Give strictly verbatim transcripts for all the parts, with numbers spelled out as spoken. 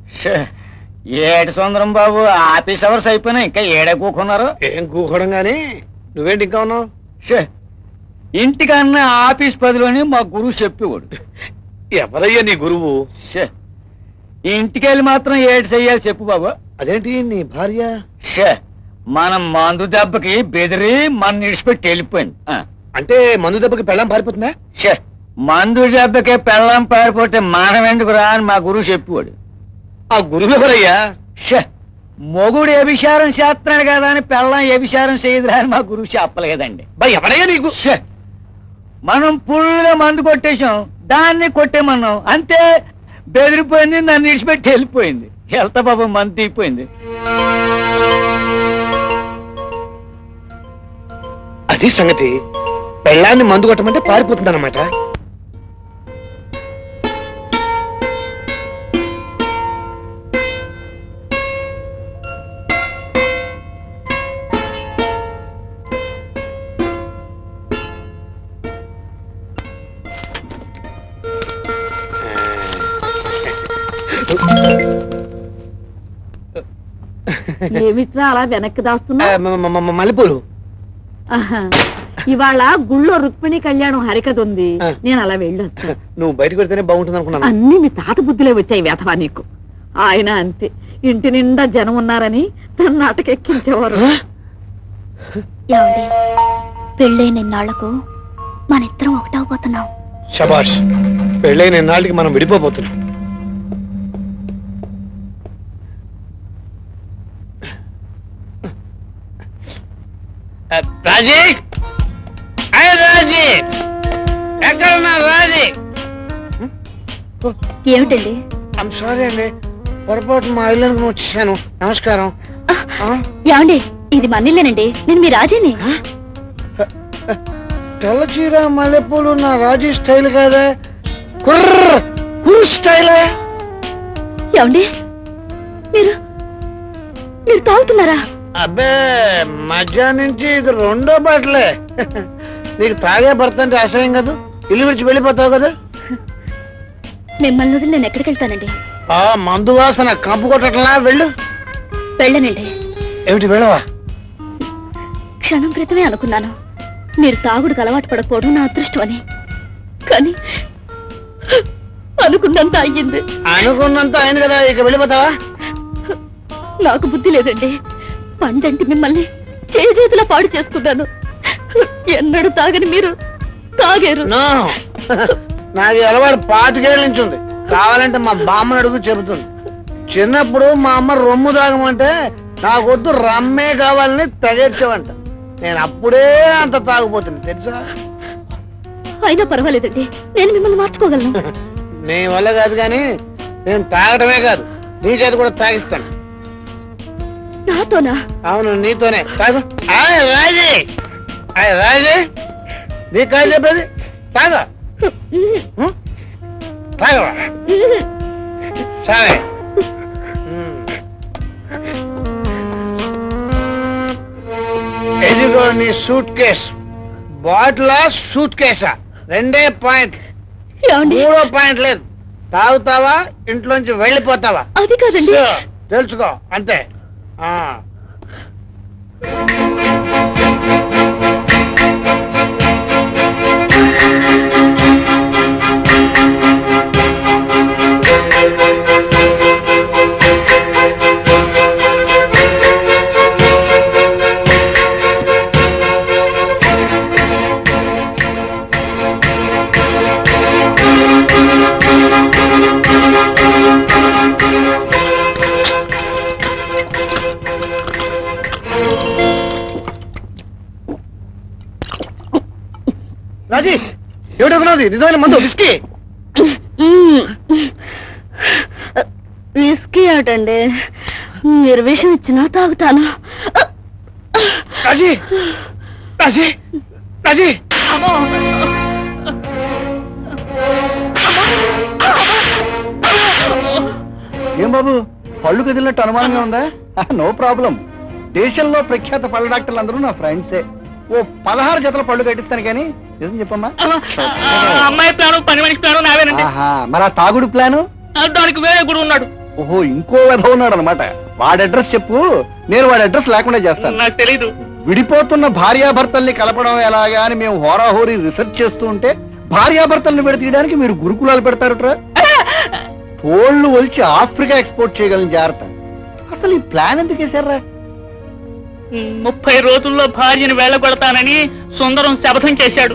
ఏడు సుందరం బాబు, office hours అయిపోయినా ఇంకా ఏడే కూకున్నారు. ఏం కూకోవడం గాని నువ్వేంటి ఇంకా ఉన్నావు? ఇంటికన్నా ఆఫీస్ పదిలోని మా గురువు చెప్పేవాడు. ఎవరయ్యా నీ గురువు? ఇంటికెళ్ళి మాత్రం ఏడు చెయ్యాలి చెప్పు బాబు. అదేంటి నీ భార్య? మనం మందు దెబ్బకి బెదిరి మన నిడిచిపెట్టి వెళ్ళిపోయింది. అంటే మందు దెబ్బకి పెళ్ళం పారిపోతుందా? మందు దెబ్బకి పెళ్ళం పారిపోతే మనం ఎందుకు రా అని మా గురువు చెప్పేవాడు. ఆ గురువు ఎవరయ్యా? మొగుడు వ్యభిచారం చేస్తున్నాడు కదా అని పెళ్ళం వ్యభిచారం చేయదురా అని మా గురువు చెప్పలేదండి. ఎవరయ్యా నీకు? మనం పుల్లుగా మందు కొట్టేశాం, దాన్ని కొట్టేమన్నాం, అంతే బెదిరిపోయింది, నన్ను విడిచిపెట్టి వెళ్ళిపోయింది. వెళ్తా బాబు, మందు తీయిపోయింది. అది సంగతి. పెళ్ళాన్ని మందు కొట్టమంటే పారిపోతుంది అన్నమాట. ఏమిట్రా అలా వెనక్కి దాస్తున్నా? మల్లెపూలు. ఇవాళ గుళ్ళో రుక్మిణి కళ్యాణం హరికథ ఉంది, నేను అలా వెళ్ళొస్తా. నువ్వు బయటకు వెళ్తేనే బాగుంటుంది అనుకున్నాను. అన్ని మీ తాత బుద్ధిలో వచ్చాయి వేధవా నీకు. ఆయన అంతే, ఇంటి నిండా జనం ఉన్నారని తన నాటకెక్కించేవారు. పెళ్ళైన ఇన్నాళ్లకు మన ఇద్దరం ఒకటవబోతున్నాం. శబాష్, పెళ్ళైన ఇన్నాళ్ళకి మనం విడిపోబోతున్నాం. రాజీ, రాజీ, ఎక్కడున్నా రాజీ? ఏమిటండి? ఐమ్ సారీ అండి, పొరపాటు మా ఇల్లు అనుకుని వచ్చేసాను. నమస్కారం. ఏమండి, ఇది మన ఇల్లేనండి, నేను మీ రాజీని. తెల్ల చీర మల్లెపూలు నా రాజీ స్టైల్ కాదా? కుర్ర కుర్ర స్టైల్. ఏమండి, మీరు మీరు తాగుతున్నారా? అబ్బే, మధ్యాహ్నం నుంచి ఇది రెండో బాటలే. నీకు తాగే భర్త అంటే అసహ్యం కదా, ఇల్లు విడిచి వెళ్ళిపోతావు కదా. మిమ్మల్ని వదిలి నేను ఎక్కడికి వెళ్తానండి? ఆ మందు వాసన కంపు కొట్టట్లా, వెళ్ళు. వెళ్ళనండి. ఏమిటి వెళ్ళవా? క్షణం క్రితమే అనుకున్నాను మీరు తాగుడుకు అలవాటు పడకపోవడం నా అదృష్టం అని, కానీ అనుకున్నంత అయ్యింది. అనుకున్నంత అయింది కదా, ఇక వెళ్ళిపోతావా? నాకు బుద్ధి లేదండి. పండంటి మిమ్మల్ని చేతులా పాడు చేసుకున్నాను. ఎన్నడూ తాగని మీరు తాగారు. నాకు అలవాటు పాతికేళ్ళ నుంచి ఉంది. కావాలంటే మా బామ్మని అడుగు చెబుతుంది. చిన్నప్పుడు మా అమ్మ రొమ్ము తాగమంటే నాకొద్దు రమ్మే కావాలని తగేర్చేవంట. నేను అప్పుడే అంత తాగిపోతుంది తెలుసా. అయినా పర్వాలేదండి, నేను మిమ్మల్ని మార్చుకోగలను. నీ వల్ల కాదు కానీ నేను తాగడమే కాదు, నీ చేతి కూడా తాగిస్తాను. నాతోనా? అవును, నీతోనే. తాగు. రాజీ, రాజీ, నీ కాదు చెప్పేది. తాగా తాగవా? సరే. ఎదిగో నీ సూట్ కేస్. బాటిలా సూట్ కేసా? రెండే పాయింట్, మూడో పాయింట్ లేదు. తాగుతావా, ఇంట్లోంచి వెళ్ళిపోతావా? అది కాదండి. తెలుసుకో అంతే. ఆ రాజీ, ఏమిటనుకున్నది? నిజమైన మందు విస్కీ. విస్కీ ఏమిటండి, మీరు విషయం ఇచ్చినా తాగుతాను. రాజీ, రాజీ, రాజీ. ఏం బాబు, పళ్ళు కదిలినట్టు అనుమానంగా ఉందా? No problem. దేశంలో ప్రఖ్యాత పళ్ళ డాక్టర్లు అందరూ నా ఫ్రెండ్సే. ఓ పదహారు జతల పళ్ళు కట్టిస్తాను కానీ నిజం చెప్పమ్మా. అమ్మాయి ప్లాను, పని మనిషి ప్లాను నావేనండి. మరి ఆ తాగుడు ప్లాను? దానికి వేరే గుడి ఉన్నాడు. ఓహో ఇంకో వెధ ఉన్నాడు అనమాట. వాడి అడ్రస్ చెప్పు, నేను వాడి అడ్రస్ లేకుండా చేస్తాను. నాకు తెలీదు. విడిపోతున్న భార్యాభర్తల్ని కలపడం ఎలాగా అని మేము హోరాహోరీ రిసెర్చ్ చేస్తూ ఉంటే భార్యాభర్తల్ని విడతీయడానికి మీరు గురుకులాలు పెడతారట్రా. తోళ్లు ఒలిచి ఆఫ్రికా ఎక్స్పోర్ట్ చేయగలని జాగ్రత్త. అసలు ఈ ప్లాన్ ఎందుకు వేశారా? ముప్పై రోజుల్లో భార్యను వెళ్ళగొడతానని సుందరం శపథం చేశాడు.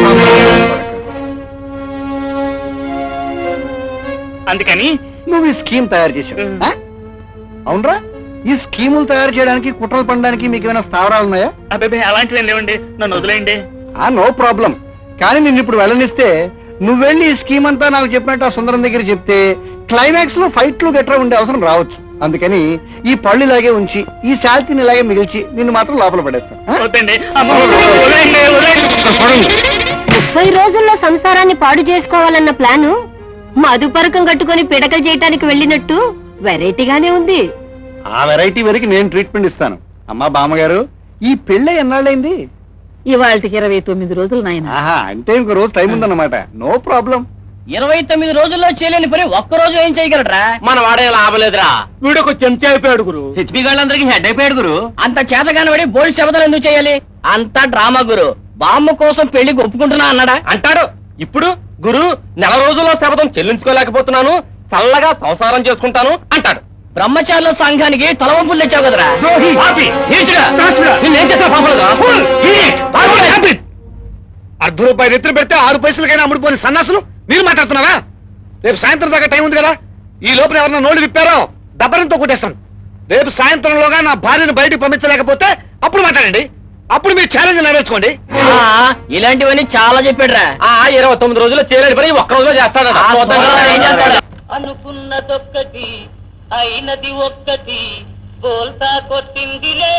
అందుకని నువ్వు ఈ స్కీమ్ తయారు చేశావు. ఆ? అవునరా, ఈ స్కీములు తయారు చేయడానికి కుట్రలు పడడానికి మీకు ఏమైనా స్థావరాలు ఉన్నాయా? అబ్బాయి అలాంటివి లేవండి, నన్ను వదిలేయండి. ఆ నో ప్రాబ్లం. కానీ నిన్ను ఇప్పుడు వెళ్ళనిస్తే నువ్వు వెళ్ళి ఈ స్కీమ్ అంతా నాకు చెప్పినట్టు ఆ సుందరం దగ్గర చెప్తే క్లైమాక్స్ లో ఫైట్లు గట్రా ఉండే అవసరం రావచ్చు. అందుకని ఈ పళ్ళు ఇలాగే ఉంచి ఈ శాల్తీని ఇలాగే మిగిల్చి నిన్ను మాత్రం లోపల పడేస్తాను. ఆ? వద్దండి, అమ్మో, వదిలేయండి, వదిలేయండి. ముప్పై రోజుల్లో సంసారాన్ని పాడు చేసుకోవాలన్న ప్లాను మధుపరకం కట్టుకొని పిడకలు చేయటానికి వెళ్ళినట్టు వెరైటీగానే ఉంది. ఆ వెరైటీ వరకు నేను ట్రీట్మెంట్ ఇస్తాను. అమ్మా బామ్మగారు, ఈ పెళ్ళి ఎన్నాళ్ళైంది? ఇవాళకి ఇరవై తొమ్మిది రోజులు నాయన. ఆహా, అంటే ఇంకో రోజు టైం ఉందన్నమాట. No problem. ఇరవై తొమ్మిది రోజుల్లో చేయలేని పని ఒక్క రోజు ఏం చేయగలరా? మన వాడే లాభలేదురా. వీడొక చెంచా అయిపోయాడు గురు. హెచ్పి గాళ్ళందరికీ హెడ్ అయిపోయాడు గురు. అంత చేతగాని పడి బోల్డ్ శబ్దాలు ఎందుకు చేయాలి? అంతా డ్రామా గురు. బామ్మ కోసం పెళ్లి ఒప్పుకుంటున్నా అన్నాడా? అంటాడు. ఇప్పుడు గురు నెల రోజుల్లో శపథం చెల్లించుకోలేకపోతున్నాను, చల్లగా సంసారం చేసుకుంటాను అంటాడు. బ్రహ్మచారుల సంఘానికి తలవంపులు తెచ్చావు కదరా. పాపి, నీచుడా, నిన్నేం చేస్తావు పాపలుగా? అర్ధ రూపాయలు ఎత్తులు పెడితే ఆరు పైసలకైనా అమ్ముడుపోయిన సన్నాసులు మీరు మాట్లాడుతున్నారా? రేపు సాయంత్రం దాకా టైం ఉంది కదా, ఈ లోపల ఎవరన్నా నోళ్ళు విప్పారో దబ్బరంతో కొట్టేస్తాను. రేపు సాయంత్రంలోగా నా భార్యను బయటికి పంపించలేకపోతే అప్పుడు మాట్లాడండి. అప్పుడు మీరు ఛాలెంజ్ నెరవేర్చుకోండి. ఇలాంటివన్నీ చాలా చెప్పాడురా. ఆ ఇరవై తొమ్మిది రోజుల్లో చేయలేని పని ఒక్క రోజులో చేస్తాడు. ఏం చేస్తాడు? అనుకున్నదొక్కటి అయినది ఒక్కటి బోల్తా కొట్టిందిలే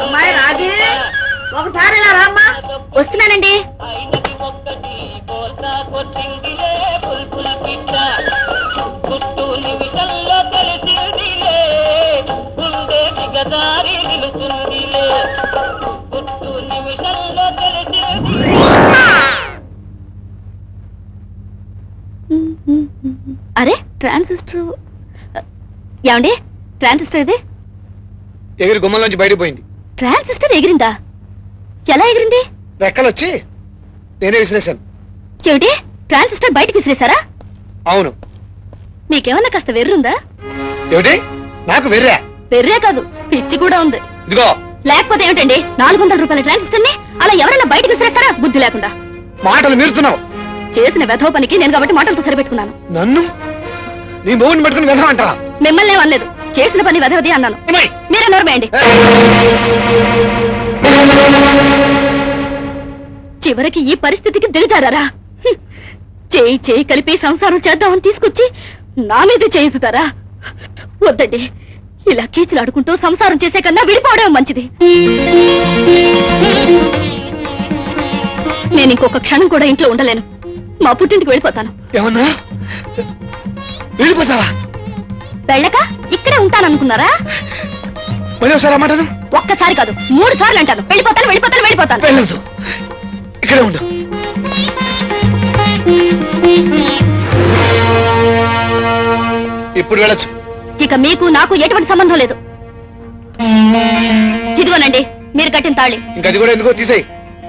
ఒకసారి వస్తున్నానండి. అయినది ఒక్కటి బోల్తా కొట్టిందిలే బుల్బుల్ పిట్ట గుట్టు నిమిషంలో తెలిసిందిలే గుండె దిగదారి నిలుతుందిలే గుట్టు నిమిషంలో తెలిసింది. అరే ట్రాన్సిస్టర్ ఏమండి? ట్రాన్సిస్టర్ ఇది ఎగిరి గుమ్మంలోంచి బయటకు పోయింది. ట్రాన్సిస్టర్ ఎగిరిందా? ఎలా ఎగిరింది? రెక్కలు వచ్చి నేనే విశ్లేషణ. ఏమిటి, ట్రాన్సిస్టర్ బయటకు విసిరేశారా? అవును. మీకేమన్నా కాస్త వెర్రుందా? ఏమిటి నాకు వెర్రా? వెర్రే కాదు, పిచ్చి కూడా ఉంది. ఇదిగో లేకపోతే ఏమిటండి, నాలుగు వందల రూపాయల ట్రాన్సిస్టర్ ని అలా ఎవరైనా బయటకు విసిరేస్తారా? బుద్ధి లేకుండా. మాటలు మీరుతున్నావు. చేసిన వెధవ పనికి నేను కాబట్టి మాటలతో సరిపెట్టుకున్నాను. నన్ను నీ మౌని పట్టుకుని వెళ్దామంటా? మిమ్మల్ని అనలేదు, చేసిన పని వెధవది అన్నాను. మీరే నోరమేయండి. చివరికి ఈ పరిస్థితికి దిగజారా? చేయి చేయి కలిపి సంసారం చేద్దామని తీసుకొచ్చి నా మీద చేయుతారా? వద్దండి, ఇలా కీచులాడుకుంటూ సంసారం చేసే కన్నా విడిపోవడం మంచిది. నేను ఇంకొక క్షణం కూడా ఇంట్లో ఉండలేను. మా పుట్టింటికి వెళ్ళిపోతాను. ఏమన్నా వెళ్ళిపోతావా? వెళ్ళక ఇక్కడే ఉంటాననుకున్నారా? మళ్ళీ ఒకసారి అమ్మాటను. ఒక్కసారి కాదు, మూడు సార్లు అంటాను. వెళ్ళిపోతాను వెళ్ళిపోతాను వెళ్ళిపోతాను. వెళ్ళదు, ఇక్కడే ఉండు. ఇప్పుడు వెళ్ళొచ్చు. ఇక మీకు నాకు ఎటువంటి సంబంధం లేదు. ఇదిగోనండి మీరు కట్టిన తాళి. ఇంకా అది కూడా ఎందుకో తీసేయి.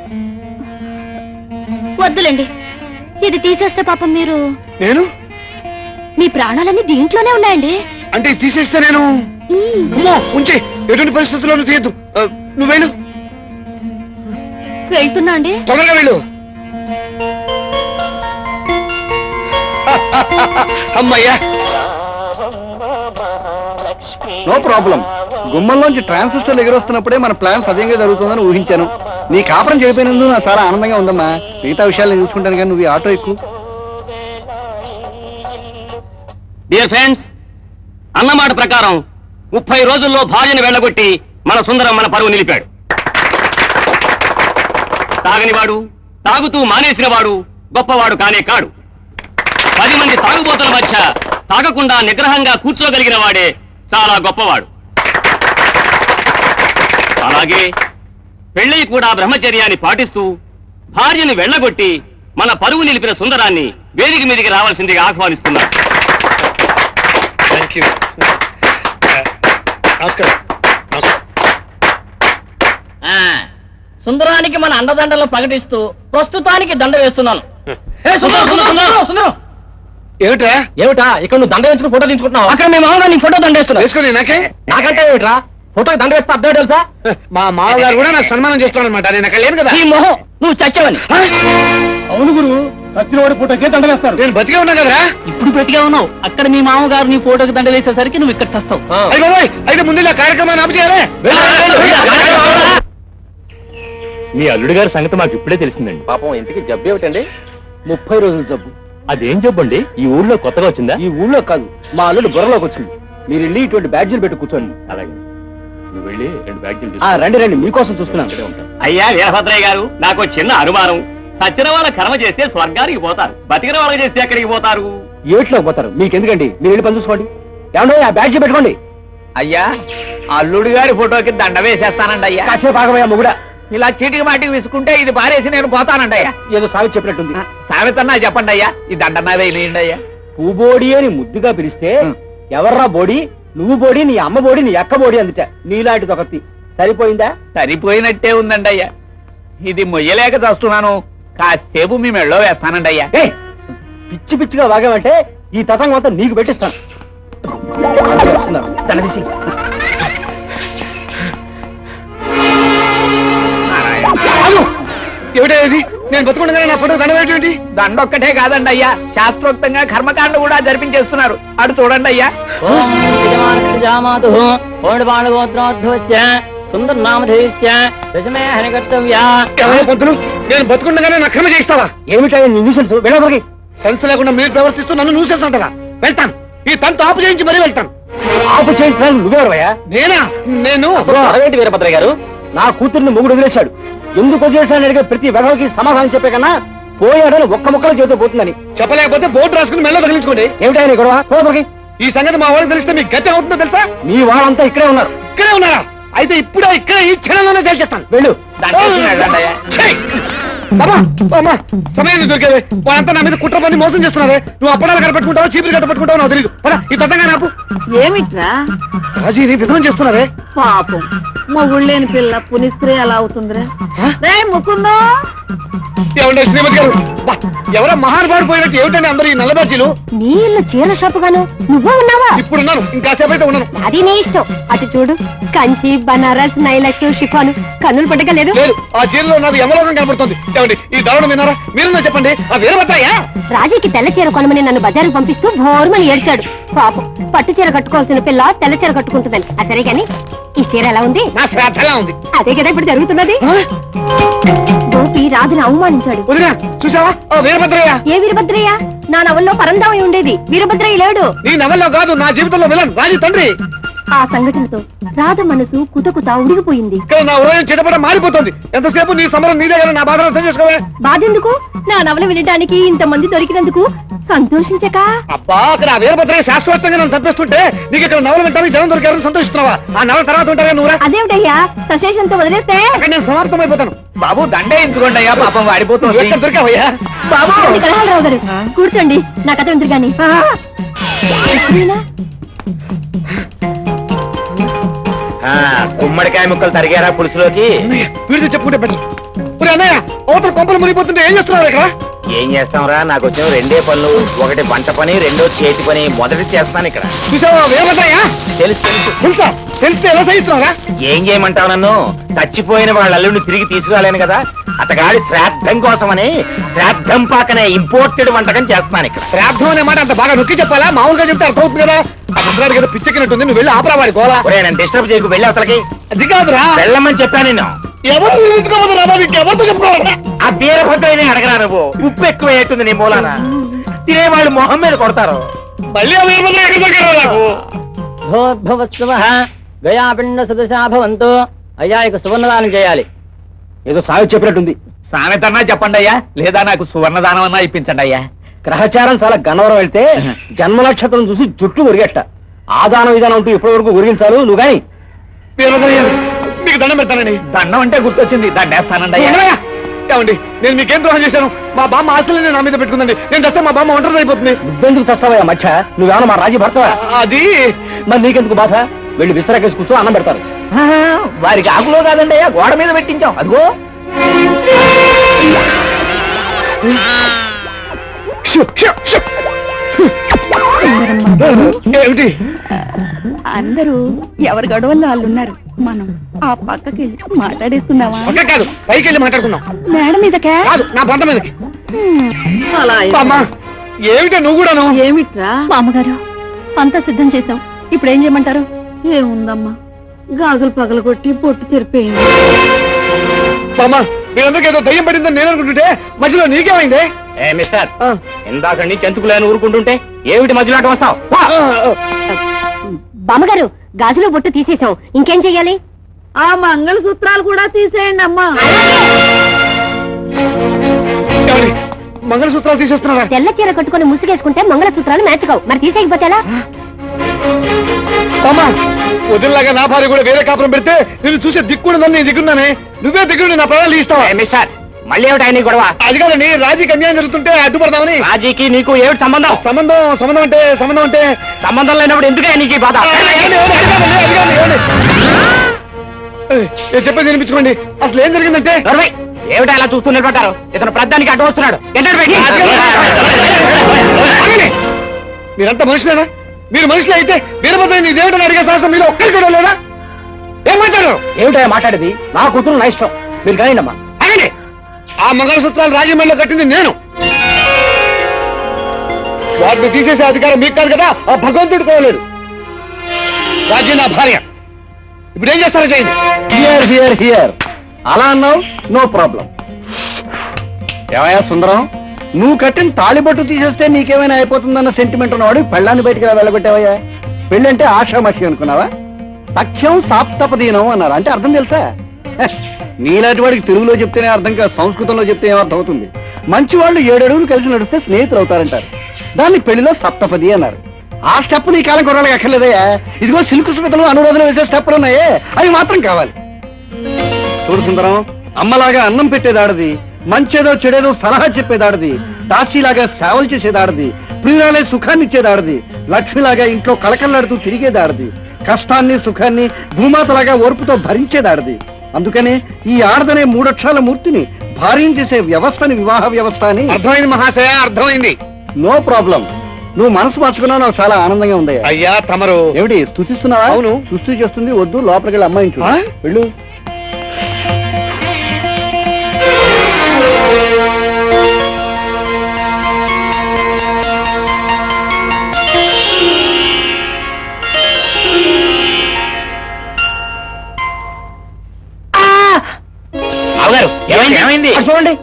వద్దులేండి, ఇది తీసేస్తే పాపం మీరు, నేను మీ ప్రాణాలన్నీ దీంట్లోనే ఉన్నాయండి. అంటే ఇది తీసేస్తే నేను అమ్మో, ఉంచి ఎటువంటి పరిస్థితుల్లోనూ తీయద్దు. ఆ, నువ్వు వెళ్ళు. వెళ్తున్నా అండి. తొందరగా వెళ్ళు. అమ్మయ్యా. No problem. గుమ్మంలోంచి ట్రాన్సిస్టర్లు ఎగురొస్తున్నప్పుడే మన ప్లాన్ సవ్యంగా జరుగుతుందని ఊహించాను. నీ కాపురం చేయకపోయినందుకు నాకు చాలా ఆనందంగా ఉందమ్మా. మిగతా విషయాలు నేను చూసుకుంటాను కానీ నువ్వు ఈ ఆటో ఎక్కువ. డియర్ ఫ్రెండ్స్, అన్నమాట ప్రకారం ముప్పై రోజుల్లో భార్యను వెళ్ళగొట్టి మన సుందరం మన పరువు నిలిపాడు. తాగనివాడు, తాగుతూ మానేసినవాడు గొప్పవాడు కానే కాడు. పది మంది తాగుబోతుల మధ్య తాగకుండా నిగ్రహంగా కూర్చోగలిగిన వాడే చాలా గొప్పవాడు. అలాగే పెళ్ళై కూడా బ్రహ్మచర్యాన్ని పాటిస్తూ భార్యను వెళ్ళగొట్టి మన పరువు నిలిపిన సుందరాన్ని వేదిక మీదికి రావాల్సిందిగా ఆహ్వానిస్తున్నారు. Thank you. నమస్కారం ఆ, సుందరానికి మన అండదండలు ప్రకటిస్తూ ప్రస్తుతానికి దండ వేస్తున్నాను. ఏ, సుందరం, సుందరం, సుందరం, సుందరం. ఏమిట్రా ఏమిటా ఇక్కడ నువ్వు దండ వేసుకుని ఫోటో తీసుకుంటున్నావు? అక్కడ మీ మామూలు నీ ఫోటో దండ వేస్తున్నా. వేసుకుని నాకే నాకంటే ఏమిట్రా ఫోటోకి దండ వేస్తే అర్థం తెలుసా? మా మామగారు కూడా నాకు సన్మానం చేస్తున్నాడు అనమాట. నేను అక్కడ లేను కదా. ఈ మొహం నువ్వు చచ్చావని. అవును గురు సత్యనవాడి ఫోటోకే దండ వేస్తారు. నేను బతికే ఉన్నా కదరా. ఇప్పుడు బ్రతిగా ఉన్నావు. అక్కడ మీ మామగారు నీ ఫోటోకి దండ వేసేసరికి నువ్వు ఇక్కడ చస్తావు. అయ్య బాబోయ్, అయితే ముందు ఇలా కార్యక్రమాన్ని ఆపు చేయాలి. మీ అల్లుడు గారి సంగతి మాకు ఇప్పుడే తెలిసిందండి. పాపం ఇంటికి జబ్బు ఏమిటండి? ముప్పై రోజుల జబ్బు. అదేం జబ్బు అండి? ఈ ఊళ్ళో కొత్తగా వచ్చిందా? ఈ ఊళ్ళో కాదు, మా అల్లుడు బుర్రలోకి వచ్చింది. మీరు వెళ్ళి ఇటువంటి బ్యాడ్జీలు పెట్టి కూర్చోండి. అలాగే నువ్వు వెళ్ళి రెండు బ్యాగ్లు ఆ, రండి రండి, మీకోసం చూస్తున్నాను. అయ్యా వీరభద్రయ్య గారు, నాకు చిన్న అనుమానం. సచ్చిన వాళ్ళ కర్మ చేస్తే స్వర్గానికి పోతారు, బతికిన వాళ్ళకి చేస్తే ఎక్కడికి పోతారు? ఏట్లోకి పోతారు, మీకెందుకండి? మీరు వెళ్ళి పని చూసుకోండి. ఏమండి, ఆ బ్యాడ్జీ పెట్టుకోండి. అయ్యా అల్లుడు గారి ఫోటోకి దండ వేసేస్తానండి అయ్యా. కాసేపు ఆగమయ్యా మొగుడా. ఇలా చీటికి మాటికి విసుకుంటే ఇది పారేసి నేను పోతానండి అయ్యా. ఏదో సావి చెప్పినట్టుంది. సామెతన్నా చెప్పండి అయ్యా, ఈ దండన్నా వేయండి అయ్యా. పూబోడి అని ముద్దుగా పిలిస్తే ఎవర్రా బోడి, నువ్వు బోడి, నీ అమ్మ బోడి, నీ అక్క బోడి అందుట. నీలాంటిది ఒకటి సరిపోయిందా? సరిపోయినట్టే ఉందండి అయ్యా. ఇది మొయ్యలేక చస్తున్నాను, కాసేపు మీ మెళ్ళో వేస్తానండి అయ్యా. ఏ పిచ్చి పిచ్చిగా వాగామంటే ఈ తతంగం అంతా నీకు పెట్టిస్తాను. తన తీసి. ఏమిటది? నేను బతుకుండగానే నా ఫోటో దండవేంటి? దండొక్కటే కాదండి అయ్యా, శాస్త్రోక్తంగా కర్మకాండ కూడా జరిపించేస్తున్నారు. అటు చూడండి అయ్యా. సుందర నామధేయ దశమే హని కర్తవ్య. ఎవరో పొద్దులు నేను బతుకుండగానే నా క్రమ చేయిస్తావా? ఏమిటా నీ న్యూసెన్స్? వెళ్ళవరికి సెన్స్ లేకుండా మీరు ప్రవర్తిస్తూ నన్ను న్యూసెన్స్ అంటారా? వెళ్తాను, ఈ తంతు ఆపు చేయించి మరీ వెళ్తాను. ఆపు చేయించడానికి నువ్వెవరయ్యా? నేనా? నేను అదేంటి వీరభద్రయ్య గారు? నా కూతుర్ని మొగుడు వదిలేశాడు. ఎందుకు వదిలేశాడని అడిగే ప్రతి వెధవకి సమాధానం చెప్పే కన్నా పోయాడని ఒక్క ముక్కలో చేతితో పోతుందని చెప్పలేకపోతే బోర్డు రాసుకుని మెల్ల తగిలించుకోండి. ఏమిటా నీ గొడవ? పోదరికి. ఈ సంగతి మా వాళ్ళకి తెలిస్తే మీకు గతి అవుతుందో తెలుసా? మీ వాళ్ళంతా ఇక్కడే ఉన్నారు. ఇక్కడే ఉన్నారా? అయితే ఇప్పుడే ఇక్కడ ఈ క్షణంలోనే తెలిచేస్తాను. వెళ్ళు. ఛీ! బాబా, బామ్మ, సమయం దొరికేది. వాళ్ళంతా నా మీద కుట్ర పని మోసం చేస్తున్నారే. నువ్వు అప్పడాలు కట్టపెట్టుకుంటావు, చీపులు కట్టపెట్టుకుంటావు నాకు తెలియదు. పద, ఈ తతంగా నాకు ఏమిట్రా రాజీని విధం చేస్తున్నారే. పాపం మా ఊళ్ళేని పిల్ల పునిస్త్రీ అలా అవుతుందిరా. రే ముకుందో, ఏమంటే శ్రీమతి గారు, బా, ఎవరో మహానుభావుడు పోయినట్టు ఏమిటండి అందరూ ఈ నల్లబాజీలు? నీ ఇల్లు చీర షాపు గాను నువ్వు ఉన్నావా? ఇప్పుడున్నాను, ఇంకాసేపు అయితే ఉన్నాను. అది నీ ఇష్టం. అటు చూడు, కంచి, బనారస్, నైలక్స్, షిఫాను కన్నులు పట్టగలేదు. లేదు, ఆ చీరలో నాకు యమలోకం కనబడుతుంది. ఏమండి ఈ దారుణం విన్నారా? మీరున్నా చెప్పండి. ఆ వీరభద్రయ్య రాజీకి తెల్ల చీర కొనమని నన్ను బజారుకు పంపిస్తూ భోర్మని ఏడ్చాడు. పాపం, పట్టు చీర కట్టుకోవాల్సిన పిల్ల తెల్ల చీర కట్టుకుంటుందని. అసరే గాని ఈ చీర ఎలా ఉంది? నా శ్రాద్ధలా ఉంది. అదే కదా ఇప్పుడు జరుగుతున్నది. గోపి రాజుని అవమానించాడు. వదినా, చూసావా ఆ వీరభద్రయ్య? ఏ వీరభద్రయ్య? నా నవల్లో పరందామై ఉండేది, వీరభద్రయ్య లేడు. నీ నవల్లో కాదు, నా జీవితంలో విలన్ రాజీ తండ్రి. ఆ సంఘటనతో రాధ మనసు కుతకుత ఉడిగిపోయింది. ఇక్కడ నా ఉదయం చిటపట మారిపోతుంది. ఎంతసేపు నీ సమరం నీదే కదా, నా బాధను అర్థం చేసుకోవే. బాధెందుకు? నా నవల వినడానికి ఇంతమంది దొరికినందుకు సంతోషించక. అబ్బా, అక్కడ ఆ వీరభద్రయ్య శాశ్వతంగా నన్ను తప్పిస్తుంటే నీకు ఇక్కడ నవల వింటానికి జనం దొరికారని సంతోషిస్తున్నావా? ఆ నవల తర్వాత ఉంటారా నువ్వురా? అదేమిటయ్యా, సశేషంతో వదిలేస్తే అక్కడ నేను సమాప్తమైపోతాను. బాబు దండే ఎందుకోండి అయ్యా, పాపం వాడిపోతుంది. ఎక్కడ దొరికావయ్యా? బాబు కలహాలరావు గారు, కూర్చోండి, నా కథ వింటారు గాని. ఈయన? గుమ్మడికాయ ముక్కలు తరిగారా పులుసులోకి? వీడితో చెప్పుకుంటే బెటర్. ఒరే అన్నయ్య, అవతల కొంపలు మునిగిపోతుంటే ఏం చేస్తున్నారు ఇక్కడ? ఏం చేస్తాంరా, నాకు వచ్చిన రెండే పనులు. ఒకటి వంట పని, రెండో చేతి పని. మొదటి చేస్తాను ఇక్కడ. చూసావా వీరభద్రయ్య? తెలుసు తెలుసు. తెలుసా? తెలిస్తే ఎలా సహిస్తున్నారా? ఏం చేయమంటావు నన్ను? చచ్చిపోయిన వాళ్ళ అల్లుడిని తిరిగి తీసుకురాలేను కదా. అతగాడి శ్రాద్ధం కోసమని శ్రాద్ధం పాకనే ఇంపోర్టెడ్ వంటకం చేస్తున్నాను ఇక్కడ. శ్రాద్ధం అనే మాట అంత బాగా నొక్కి చెప్పాలా? మామూలుగా చెప్తే అర్థం అవుతుంది కదా. ఆ ముద్రాడి కదా పిచ్చెక్కినట్టుంది. నువ్వు వెళ్ళి ఆపరా వాడి గోలా. ఒరే నన్ను డిస్టర్బ్ చేయకు, వెళ్ళి అసలుకి. అది కాదురా, వెళ్ళమని చెప్పాను నేను. ఎవరు నిలుచుకోవద్దు రా బాబు, ఇంకెవరితో చెప్పుకోవాలరా? ఆ బీరభద్రని అడగరా నువ్వు. ఉప్పు ఎక్కువ అవుతుంది నీ మూలాన. తినేవాళ్ళు మొహం మీద కొడతారు. మళ్ళీ ఆ వీరభద్రయ్య ఎక్కడ దొరికారా నాకు? భోద్భవత్సవ గయాపిండ సదశాభవంతో. అయ్యా ఇక సువర్ణదానం చేయాలి. ఏదో సాగు చెప్పినట్టుంది. సామెతన్నా చెప్పండి అయ్యా, లేదా నాకు సువర్ణదానం అన్నా ఇప్పించండి అయ్యా. గ్రహచారం చాలా గన్నవరం వెళ్తే జన్మ నక్షత్రం చూసి జుట్టు ఉరిగట్ట. ఆదానం విధానం అంటూ ఇప్పటి వరకు ఉరిగించాలు నువ్వు గాని. మీకు దండం పెడతానండి. దండం అంటే గుర్తొచ్చింది, దండేస్తానండి అయ్యా. ఏమండి, నేను మీకేం ద్రోహం చేశాను? మా బామ్మ ఆస్తులని నా మీద పెట్టుకుందండి. నేను చస్తే మా బామ్మ ఒంటరి అయిపోతుంది. నువ్వెందుకు చస్తావా మధ్య? నువ్వేమన్నా మా రాజీ భర్తవా? అది మరి నీకెందుకు బాధ? వెళ్ళి విస్తరాకేసి కూర్చో అన్నం పెడతారు వారికి ఆకులో కాదండి అయ్యా గోడ మీద పెట్టించాం అదిగో ఏమిటి అందరూ ఎవరి గొడవల్లో వాళ్ళు ఉన్నారు మనం ఆ పక్కకి వెళ్ళి మాట్లాడేస్తున్నావా ఒక్క కాదు పైకి వెళ్ళి మాట్లాడుకుందాం మేడం మీదకే కాదు నా బంధం మీదకి అలా అమ్మా ఏమిటో నువ్వు కూడాను ఏమిట్రా మా అమ్మగారు అంతా సిద్ధం చేశాం ఇప్పుడు ఏం చేయమంటారు? ఏముందమ్మా గాజులు పగలగొట్టి పొట్టు తెరిపోయింది. బామ్మ మీరందరికీ ఏదో దయ్యం పడిందని నేను అనుకుంటుంటే మధ్యలో నీకేమైంది? ఏ మిస్టర్ ఇందాక నుంచి ఎందుకులేని ఊరుకుంటుంటే ఏమిటి మధ్యలో అటు వస్తావు బామ్మగారు గాజులో బొట్టు తీసేశాం ఇంకేం చెయ్యాలి? ఆ మంగళ సూత్రాలు కూడా తీసేయండి అమ్మా. ఏమండి? మంగళసూత్రాలు తీసేస్తున్నారా? తెల్ల చీర కట్టుకుని ముసుగేసుకుంటే మంగళ సూత్రాలు మ్యాచ్ కావు మరి తీసేయకపోతే ఎలా? బామ్మ వదిలిలాగా నా భార్య కూడా వేరే కాపురం పెడితే నేను చూసే దిక్కుడుందని నేను దిగున్నానే నువ్వే దిగుడు నా ప్రాణాలు ఇస్తావా? మిస్టర్ మళ్ళీ ఏమిటి ఆయన గొడవ? అది కాదండి రాజీకి అన్యాయం జరుగుతుంటే అడ్డుపడదామని. రాజీకి నీకు ఏమిటి సంబంధం? సంబంధం సంబంధం అంటే సంబంధం అంటే సంబంధం లేనప్పుడు ఎందుకే నీకు ఈ బాధ? ఏమండి, ఏమండి, అది కాదండి, అది కాదండి, ఏమండి? ఏయ్, నేను చెప్పేది వినిపించుకోండి. అసలు ఏం జరిగిందంటే నడవై. ఏమిటి అలా చూస్తూ నిలబడ్డారు? ఇతను ప్రధానికి అడ్డు వస్తున్నాడు. ఎంటర్ పెట్టి. ఆగండి. మీరంతా మనుషులేనా? మీరు మనుషులు అయితే వీరభద్ర ఇదేమిటని అడిగే శాస్త్రం మీరు ఒక్కరికి కూడా లేదా? ఏం మాట్లాడారు? ఏమిటో మాట్లాడేది నా కూతురు నా ఇష్టం మీరు కానీ అమ్మా. ఆగండి. ఆ మంగళసూత్రాలు రాజమండ్రిలో కట్టింది నేను. వాటిని తీసేసే అధికారం మీకు కాదు కదా, ఆ భగవంతుడు కోరలేదు. రాజీ నా భార్య. ఇప్పుడు ఏం చేస్తారో చేయండి. హియర్ హియర్ హియర్ అలా అన్నావు నో ప్రాబ్లం. ఏమయ్యా సుందరం, నువ్వు కట్టిన తాళిబొట్టు తీసేస్తే నీకేమైనా అయిపోతుందన్న సెంటిమెంట్ ఉన్నవాడు పెళ్ళాన్ని బయటికి వెళ్ళగొట్టావయ్యా. పెళ్ళంటే ఆషామాషి అనుకున్నావా? తథ్యం సాప్తపదీనం అన్నారు. అంటే అర్థం తెలుసా? హ, నీలాంటి వాడికి తెలుగులో చెప్తేనే అర్థం కాదు, సంస్కృతంలో చెప్తే ఏమర్థం అవుతుంది. మంచి వాళ్ళు ఏడు అడుగులు కలిసి నడిస్తే స్నేహితులు అవుతారంటారు. దాన్ని పెళ్లిలో సప్తపది అన్నారు. ఆ స్టెప్ నీ కాలం కొరాలకు ఎక్కర్లేదయ్యా. ఇదిగో సిల్కు స్మితలు అనురోధన వేసే స్టెప్లు ఉన్నాయే అవి మాత్రం కావాలి. చూడు సుందరం, అమ్మలాగా అన్నం పెట్టేదాడది, మంచేదో చెడేదో సలహా చెప్పేదాడది, దాసీలాగా సేవలు చేసేదాడది, ప్రియురాలే సుఖాన్ని ఇచ్చేదాడది, లక్ష్మిలాగా ఇంట్లో కళకళలాడుతూ తిరిగేదాడది, కష్టాన్ని సుఖాన్ని భూమాతలాగా ఓర్పుతో భరించేదాడది. అందుకనే ఈ ఆడదనే మూడక్షరాల మూర్తిని భార్యం చేసే వ్యవస్థని వివాహ వ్యవస్థ అని. అర్థమైంది మహాశయ, అర్థమైంది. No problem. నువ్వు మనసు మార్చుకున్నావు, నాకు చాలా ఆనందంగా ఉంది. అయ్యా తమరు ఏమిటి స్తుతిస్తున్నావా? అవును. స్తుతి చేస్తుంది. వద్దు, లోపలికి వెళ్ళి అమ్మాయించు. ఆ? వెళ్ళు. బావగారు ఏమైంది? ఏమైంది? అటు చూడండి.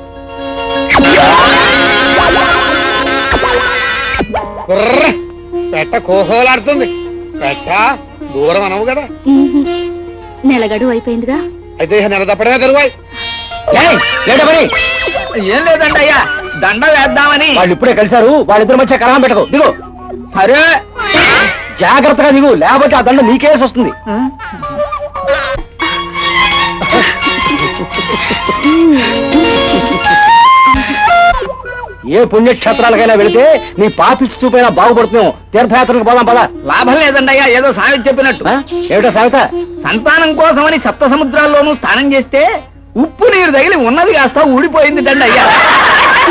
కుర్ర పెట్ట కోహోలాడుతుంది. పెట్ట దూరం అనవు కదా. నెలగడు అయిపోయిందిగా. అయితే ఇక నెల తప్పడమే కరువాయి. ఏయ్, ఏంటో మరి? ఏం లేదండి అయ్యా దండ వేద్దామని. వాళ్ళు ఇప్పుడే కలిశారు, వాళ్ళిద్దరి మధ్య కలహం పెట్టకు. దిగు. సరే జాగ్రత్తగా దిగు, లేకపోతే ఆ దండ నీకేసి వస్తుంది. ఏ పుణ్యక్షేత్రాలకైనా వెళితే నీ పాపిష్టి చూపైనా బాగుపడుతున్నావు. తీర్థయాత్రకు పోదాం పదా. లాభం లేదండి అయ్యా, ఏదో సామెత చెప్పినట్టు. ఏమిటో సామెత? సంతానం కోసమని సప్త సముద్రాల్లోనూ స్నానం చేస్తే ఉప్పు నీరు తగిలి ఉన్నది కాస్త ఊడిపోయింది దండి అయ్యా.